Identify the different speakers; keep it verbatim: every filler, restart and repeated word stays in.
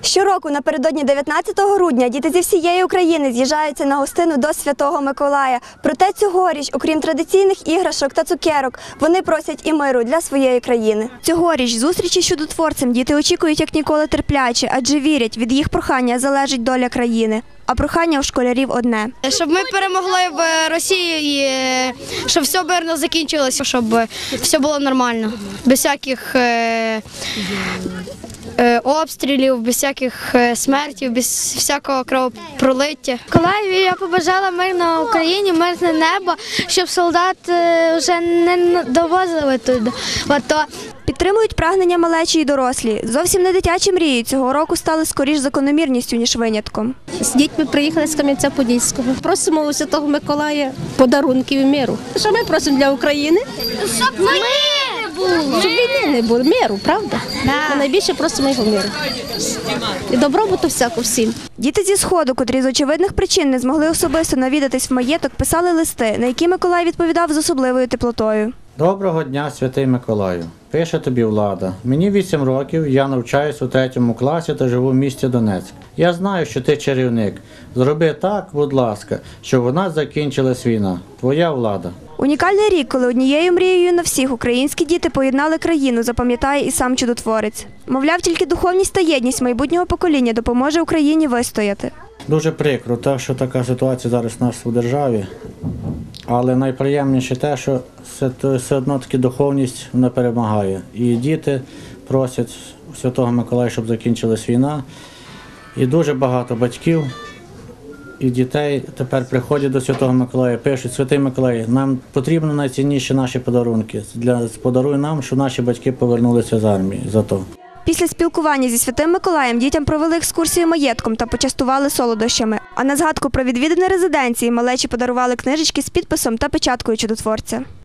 Speaker 1: Щороку напередодні дев'ятнадцятого грудня діти зі всієї України з'їжджаються на гостину до Святого Миколая. Проте цьогоріч, окрім традиційних іграшок та цукерок, вони просять і миру для своєї країни. Цьогоріч зустрічі з чудотворцем діти очікують як ніколи терпляче, адже вірять, від їх прохання залежить доля країни. А прохання у школярів одне.
Speaker 2: Щоб ми перемогли в Росії і щоб все мирно закінчилося, щоб все було нормально, без всяких е, е, обстрілів, без всяких смертів, без всякого кровопролиття.
Speaker 3: Миколаєві я побажала мир на Україні, мирне небо, щоб солдат вже не довозили туди. Ото.
Speaker 1: Підтримують прагнення малечі і дорослі. Зовсім не дитячі мрії цього року стали скоріш закономірністю, ніж винятком.
Speaker 4: З дітьми приїхали з Кам'янця-Подільського. Просимо у Святого Миколая подарунків і миру. Що ми просимо для України?
Speaker 3: Щоб мир не було.
Speaker 4: Щоб війни не було, миру, правда? Ми найбільше просимо його миру. І добробуту всяку всім.
Speaker 1: Діти зі Сходу, котрі з очевидних причин не змогли особисто навідатись в маєток, писали листи, на які Миколай відповідав з особливою теплотою.
Speaker 5: Доброго дня, Святий Миколаю. Пише тобі Влада. Мені вісім років, я навчаюсь у третьому класі та живу в місті Донецьк. Я знаю, що ти чарівник. Зроби так, будь ласка, щоб у нас закінчилась війна. Твоя Влада.
Speaker 1: Унікальний рік, коли однією мрією на всіх українські діти поєднали країну, запам'ятає і сам чудотворець. Мовляв, тільки духовність та єдність майбутнього покоління допоможе Україні вистояти.
Speaker 5: Дуже прикро, те, що така ситуація зараз у нас у державі. Але найприємніше те, що все одно таки духовність не перемагає. І діти просять у Святого Миколая, щоб закінчилась війна. І дуже багато батьків і дітей тепер приходять до Святого Миколая, пишуть: Святий Миколай, нам потрібно найцінніші наші подарунки. Для, подаруй нам, щоб наші батьки повернулися з армії за то.
Speaker 1: Після спілкування зі Святим Миколаєм дітям провели екскурсію маєтком та почастували солодощами. А на згадку про відвідини резиденції малечі подарували книжечки з підписом та печаткою чудотворця.